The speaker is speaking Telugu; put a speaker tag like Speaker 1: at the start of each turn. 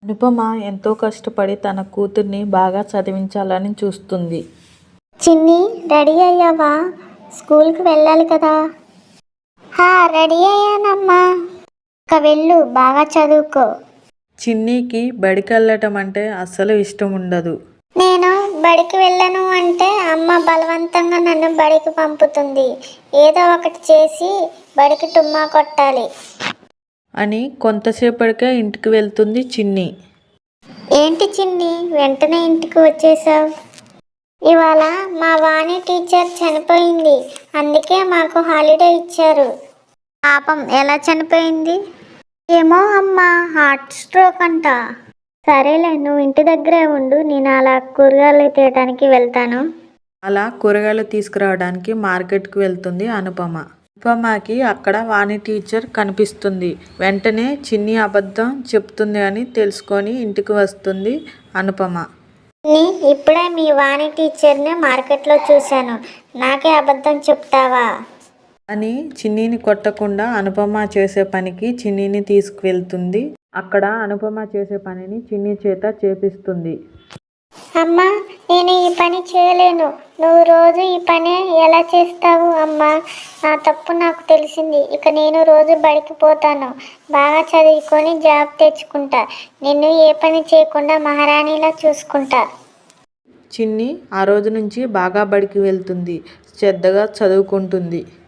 Speaker 1: అనుపమ ఎంతో కష్టపడి తన కూతుర్ని బాగా చదివించాలని చూస్తుంది.
Speaker 2: చిన్ని, రెడీ అయ్యావా? స్కూల్కి వెళ్ళాలి కదా. రెడీ అయ్యానమ్మా. ఇక వెళ్ళు, బాగా చదువుకో.
Speaker 1: చిన్నికి బడికి వెళ్ళటం అంటే అస్సలు ఇష్టం ఉండదు.
Speaker 2: నేను బడికి వెళ్ళను అంటే అమ్మ బలవంతంగా నన్ను బడికి పంపుతుంది. ఏదో ఒకటి చేసి బడికి టుమ్మా కొట్టాలి
Speaker 1: అని కొంతసేపటికే ఇంటికి వెళ్తుంది చిన్ని.
Speaker 2: ఏంటి చిన్ని, వెంటనే ఇంటికి వచ్చేసావు? ఇవాళ మా వాణి టీచర్ చనిపోయింది, అందుకే మాకు హాలిడే ఇచ్చారు. పాపం, ఎలా చనిపోయింది? ఏమో అమ్మా, హార్ట్ స్ట్రోక్ అంట. సరేలే, నువ్వు ఇంటి దగ్గరే ఉండు, నేను అలా కూరగాయలు తీయడానికి వెళ్తాను.
Speaker 1: అలా కూరగాయలు తీసుకురావడానికి మార్కెట్కి వెళ్తుంది అనుపమ. అనుపమకి అక్కడ వాణి టీచర్ కనిపిస్తుంది. వెంటనే చిన్ని అబద్ధం చెప్తుంది అని తెలుసుకొని ఇంటికి వస్తుంది అనుపమ.
Speaker 2: ఇప్పుడే మీ వాణి టీచర్ని మార్కెట్లో చూశాను, నాకే అబద్ధం చెప్తావా
Speaker 1: అని చిన్నిని కొట్టకుండా అనుపమ చేసే పనికి చిన్నిని తీసుకువెళ్తుంది. అక్కడ అనుపమ చేసే పనిని చిన్ని చేత చేపిస్తుంది.
Speaker 2: అమ్మా, నేను ఈ పని చేయలేను. నువ్వు రోజు ఈ పని ఎలా చేస్తావు అమ్మా? నా తప్పు నాకు తెలిసింది. ఇక నేను రోజు బడికి పోతాను, బాగా చదువుకొని జాబ్ తెచ్చుకుంటా. నిన్ను ఏ పని చేయకుండా మహారాణిలా చూసుకుంటా.
Speaker 1: చిన్ని ఆ రోజు నుంచి బాగా బడికి వెళ్తుంది, శ్రద్ధగా చదువుకుంటుంది.